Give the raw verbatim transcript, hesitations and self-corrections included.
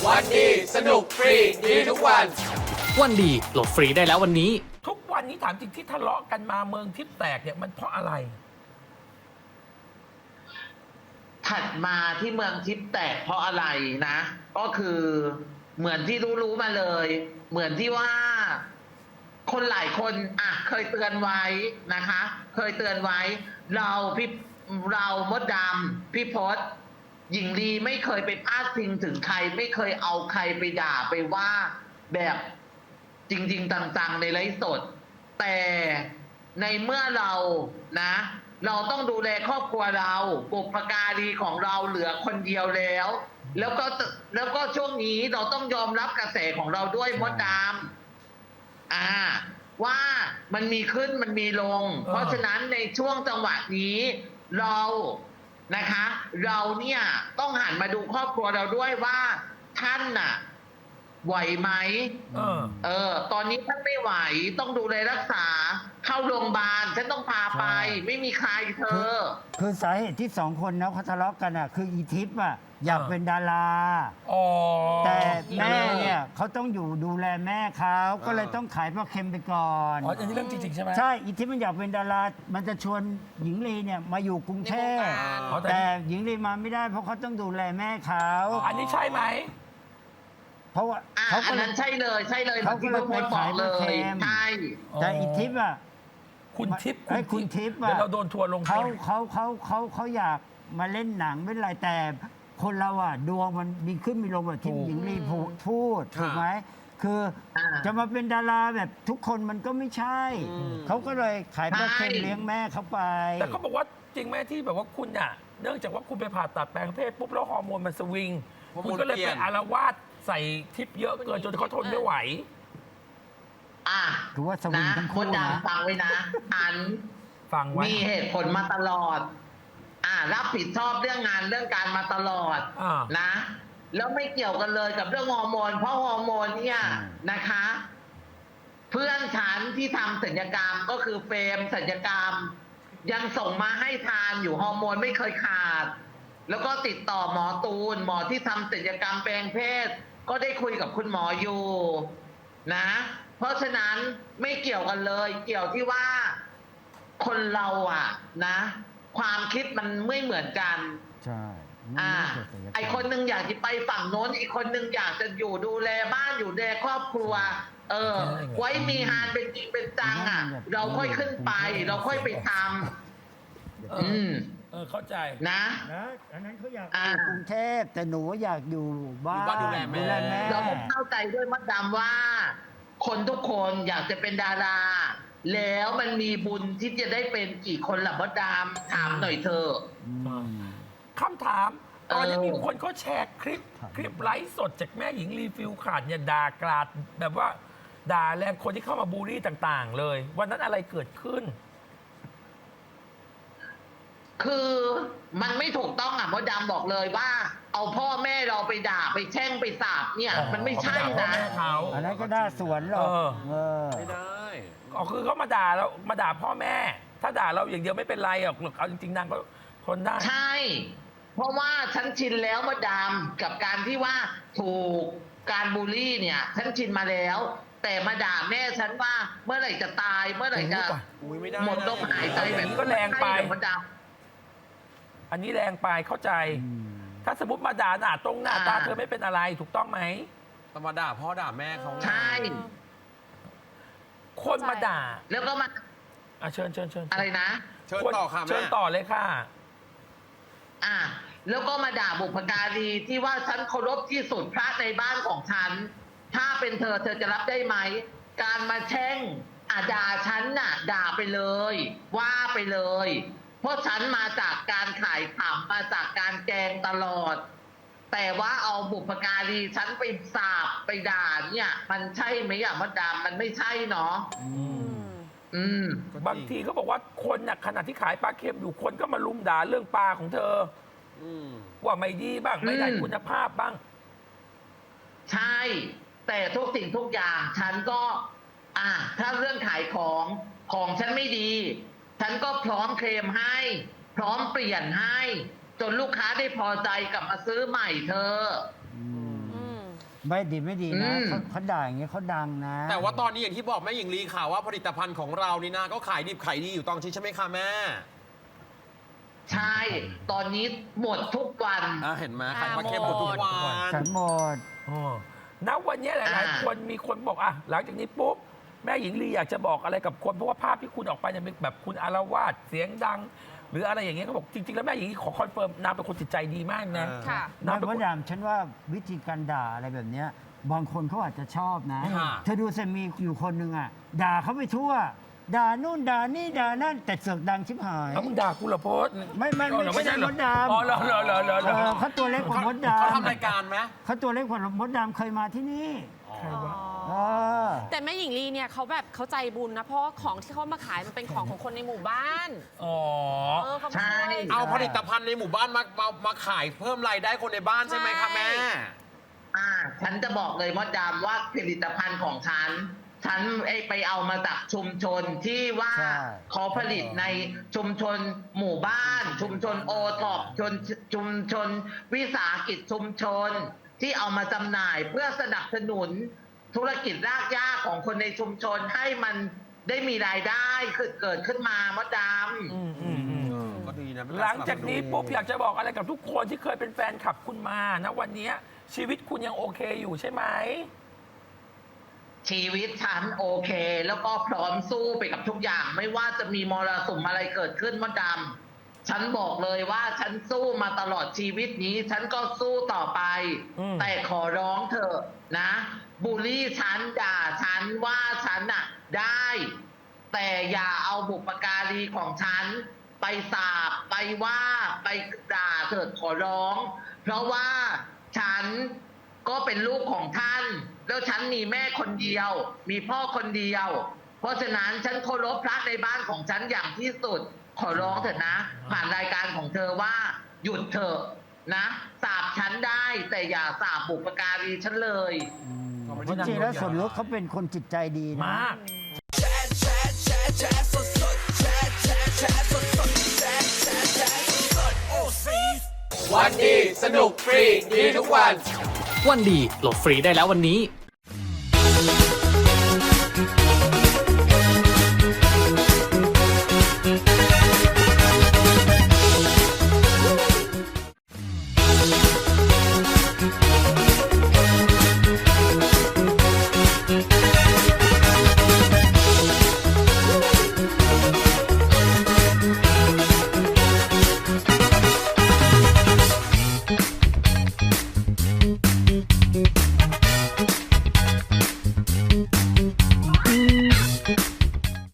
วันดีสนุกฟรีดีทุกวันวันดีโหลดฟรีได้แล้ววันนี้ทุกวันนี้ถามจริงที่ทะเลาะกันมาเมืองทิพย์แตกเนี่ยมันเพราะอะไรถัดมาที่เมืองทิพย์แตกเพราะอะไรนะ ก็คือเหมือนที่รู้ๆมาเลย เหมือนที่ว่า คนหลายคนอ่ะเคยเตือนไว้นะคะ เคยเตือนไว้ เราพี่เรามดดำพี่พศหญิงลีไม่เคยไปพาดพิงถึงใคร ไม่เคยเอาใครไปด่าไปว่าแบบจริงๆจังๆในไลฟ์สด แต่ในเมื่อเรานะ เราต้องดูแลครอบครัวเราบุพการีของเราเหลือคนเดียวแล้ว แล้วก็แล้วก็ช่วงนี้เราต้องยอมรับกระแสของเราด้วยมดดำอ่า ว่ามันมีขึ้นมันมีลงเออเพราะฉะนั้นในช่วงจังหวะนี้เรานะคะ เราเนี่ยต้องหันมาดูครอบครัวเราด้วยว่าท่านน่ะไหวไหมเออเออ ตอนนี้ท่านไม่ไหวต้องดูแลรักษา เข้าโรงพยาบาลฉันต้องพาไปใช่ไม่มีใครเธอคือสาเหตุที่สองคนนะเขาทะเลาะกันอ่ะคืออีทิพย์อ่ะอยากอ่าเป็นดาราอ๋อแต่แม่เนี่ยเขาต้องอยู่ดูแลแม่เขาก็เลยต้องขายปลาเค็มไปก่อนอ๋ออันนี้เรื่องจริงๆใช่ไหมใช่อีทิพย์มันอยากเป็นดารา มันจะชวนหญิงลีเนี่ยมาอยู่กรุงเทพอ๋อแต่แต่หญิงลีมาไม่ได้เพราะเขาต้องดูแลแม่เขาอันนี้ใช่ไหมเพราะว่าอ่ะเขาอัก็นเลนั้ยนใช่เลยใช่เลยเขาก็เลยหมือนที่ไปขายพี่พศบอกเลปลาเค็ยมใช่แต่อีทิพย์อ่ะคุณทิพย์ไอ้ยคุณทิพย์อ่ะเดี๋ยวเราโดนทัวร์ลงเขาทิพย์เขาเขาเขาเขาอยากมาเล่นหนังไม่เป็นไรแต่คนเราอ่ะดวงมันมีขึ้นมีลงแบบที่หญิงลีพูดพูดถูกไหมคืออา จะมาเป็นดาราแบบทุกคนมันก็ไม่ใช่ เขาก็เลยขายปลาเค็มใช่เลี้ยงแม่เขาไปแต่เขาบอกว่าจริงไหมที่แบบว่าคุณอ่ะเนื่องจากว่าคุณไปผ่าตัดแปลงเพศปุ๊บแล้วฮอร์โมนมันสวิงฮอร์โมนคุณก็เลยเปลี่ไปยนอารวาสใส่ทิพย์เยอะเกินจนเขาทนไม่ไหวอ่ะถือว่าสวิงนะทั้งคคู่นนะดำฟังไว้นะ อันฟังไว้มีเหตุผลมาตลอด อ่า รับผิดชอบเรื่องงานเรื่องการมาตลอดอ่านะ แล้วไม่เกี่ยวกันเลยกับเรื่องฮอร์โมน เพราะฮอร์โมนเนี่ยนะคะ เพื่อนฉันที่ทำศัลยกรรมก็คือเฟรมศัลยกรรม ยังส่งมาให้ทานอยู่ฮอร์โมนไม่เคยขาด แล้วก็ติดต่อหมอตูน หมอที่ทำศัลยกรรมแปลงเพศ ก็ได้คุยกับคุณหมออยู่นะ เพราะฉะนั้นไม่เกี่ยวกันเลย เกี่ยวที่ว่าคนเราอ่ะนะ ความคิดมันไม่เหมือนกันใช่อ่าไม่เกี่ยวกับศัลยกรรมไอคนหนึ่งอยากจะไปฝั่งโน้น อีกคนหนึ่งอยากจะอยู่ดูแลบ้านอยู่ดูแลครอบครัว เออ ไว้มีงานเป็นจริงเป็นจังอ่ะ เราค่อยขึ้นไป เราค่อยไปทำเออือมเออเข้าใจนะนะอันนั้นเขาอยากอ่าอยู่กรุงเทพแต่หนูอยากอยู่บ้านอยู่บ้านดูแลแม่ดูแลแม่เราก็เข้าใจด้วยมดดำว่า คนทุกคนอยากจะเป็นดารา แล้วมันมีบุญที่จะได้เป็นกี่คนล่ะมดดำถามหน่อยเถอะอืมคำถาม ตอนนี้เออมีคนเขาแชร์คลิป คลิปไลฟ์สดจากแม่หญิงรีฟิลขาดเนี่ยด่ากราดแบบว่า ด่าแรงคนที่เข้ามาบูลลี่ต่างๆ เลย วันนั้นอะไรเกิดขึ้นคือมันไม่ถูกต้องอ่ะมดดำบอกเลยว่า เอาพ่อแม่เราไปด่าไปแช่งไปสาบเนี่ยอ๋อมันไม่ใช่เขาไปด่าพ่อนะแม่เขาอันนั้นก็ได้สวนหรอกเออเออไม่ได้อ๋อคือเขามาด่าเรามาด่าพ่อแม่ ถ้าด่าเราอย่างเดียวไม่เป็นไรหรอกเอาจริงๆนางก็ทนได้ใช่ เพราะว่าฉันชินแล้วมดดำกับการที่ว่าถูกการบูลลี่เนี่ยฉันชินมาแล้ว แต่มาด่าแม่ฉันว่าเมื่อไหร่จะตาย เมื่อไหร่จะอุ้ยไม่ได้หมดลมหายใจอแบย่าบงนี้ก็แรงไปม่ด้มดดอันนี้แรงไปเข้าใจ ถ้าสมมติมาด่าหน้าตรงหน้าตาเธอไม่เป็นอะไรถูกต้องไหมธรรมดาพ่อด่าแม่เขาไงำใช่คนมาด่าแล้วก็มาอ่ะเชิญเชิญเชิญอะไรนะเชิญต่อค่ะแม่เชิญต่อเลยค่ะอ่ะแล้วก็มาด่าบุพการีที่ว่าฉันเคารพที่สุดพระในบ้านของฉัน ถ้าเป็นเธอเธอจะรับได้ไหม การมาแช่งอ่ะด่าฉันน่ะ ด่าไปเลย ว่าไปเลย เพราะฉันมาจากการขายขำมาจากการแกล้งตลอด แต่ว่าเอาบุพการีฉันไปสาบไปด่าเนี่ย มันใช่ไหมอ่ะมดดำมันไม่ใช่เนาะอืมบางทีเขาบอกว่าคนน่ะขณะที่ขายปลาเค็มอยู่คนก็มาลุมด่าเรื่องปลาของเธออืมว่าไม่ดีบ้างไม่ได้อืมคุณภาพบ้างใช่ แต่ทุกสิ่งทุกอย่างฉันก็ อ่ะถ้าเรื่องขายของของฉันไม่ดี ฉันก็พร้อมเคลมให้ พร้อมเปลี่ยนให้ จนลูกค้าได้พอใจกลับมาซื้อใหม่เธออืมถไม่ดีไม่ดีนะอืมเขาเขาด่าอย่างเงี้ยเขาดังนะแต่ว่าตอนนี้อย่างที่บอกแม่หญิงลีข่าวว่าผลิตภัณฑ์ของเรานี่นะก็ขายดิบขายดีอยู่ตอนนี้ใช่ไหมคะแม่ใช่ ตอนนี้หมดทุกวันอ่าเห็นไหมขายปลาเค็มหมดทุกวันฉันหมดอ๋อณวันนี้หลายอ่าๆ คนมีคนบอกอ่ะหลังจากนี้ปุ๊บแม่หญิงลีอยากจะบอกอะไรกับคนเพราะว่าภาพที่คุณออกไปเนี่ยเป็นแบบคุณอารวาสเสียงดัง หรืออะไรอย่างเงี้ยเขาบอกจริง ๆ แล้วแม่หญิงลีขอคอนเฟิร์มนางเป็นคนจิตใจดีมากนะเออค่ะนางไม่เป็นมคดนดำฉันว่าวิธีการด่าอะไรแบบเนี้ยบางคนเขาอาจจะชอบนะค่ะเธอดูสิมีอยู่คนหนึ่งอ่ะ ด่าเขาไปทั่ว ด่านู่นด่านี่ด่านั่นแต่เสือกดังชิบหายแล้วมึงด่ากูเหรอโพสไม่ไม่ไม่อ๋อเหรอไม่ใช่เหรอมดดำอ๋อเหรอเหรอเหรอเหรอเหรเอออเขาตัวเล็กกว่ามดดำเขาทำรายการไหมเขาตัวเล็กกว่ามดดำเคยมาที่นี่อ๋อเออแต่แม่หญิงลีเนี่ยเขาแบบเขาใจบุญนะ เพราะว่าของที่เขามาขายมันเป็นของของคนในหมู่บ้านอ๋อเออเขามาใช่ช่วยเอาผลิตภัณฑ์ในหมู่บ้านมามามาขายเพิ่มรายได้คนในบ้านใช่ไหมคะแม่อ่า ฉันจะบอกเลยมดดำว่าผลิตภัณฑ์ของฉัน ฉันไอ้ไปเอามาจากชุมชนที่ว่าใช่เขาผลิตในชุมชนหมู่บ้าน ชุมชนโอท็อปชนชุมชน วิสาหกิจชุมชน ที่เอามาจำหน่ายเพื่อสนับสนุนธุรกิจรากหญ้าของคนในชุมชนให้มันได้มีรายได้เกิดขึ้นมามดดำอืมอืมอืมก็ดีนะหลังจากนี้ปุ๊บอยากจะบอกอะไรกับทุกคนที่เคยเป็นแฟนคลับคุณมานะวันนี้ชีวิตคุณยังโอเคอยู่ใช่ไหมชีวิตฉันโอเค แล้วก็พร้อมสู้ไปกับทุกอย่าง ไม่ว่าจะมีมรสุมอะไรเกิดขึ้นมดดำฉันบอกเลยว่าฉันสู้มาตลอดชีวิตนี้ ฉันก็สู้ต่อไปอืมแต่ขอร้องเถอะนะบูลลี่ฉันด่าฉันว่าฉันน่ะได้ แต่อย่าเอาบุปการีของฉัน ไปสาบไปว่าไปด่าเถิดขอร้อง เพราะว่าฉันก็เป็นลูกของท่าน แล้วฉันมีแม่คนเดียว มีพ่อคนเดียว เพราะฉะนั้นฉันเคารพพระในบ้านของฉันอย่างที่สุด ขอร้องเถอะนะ ผ่านรายการของเธอว่า หยุดเถอะนะสาบฉันได้ แต่อย่าสาบบุปการีฉันเลยจริงๆแล้วส่วนลดเขาเป็นคนจิตใจดีนะมากวันดีสนุกฟรีดีทุกวันวันดีโหลดฟรีได้แล้ววันนี้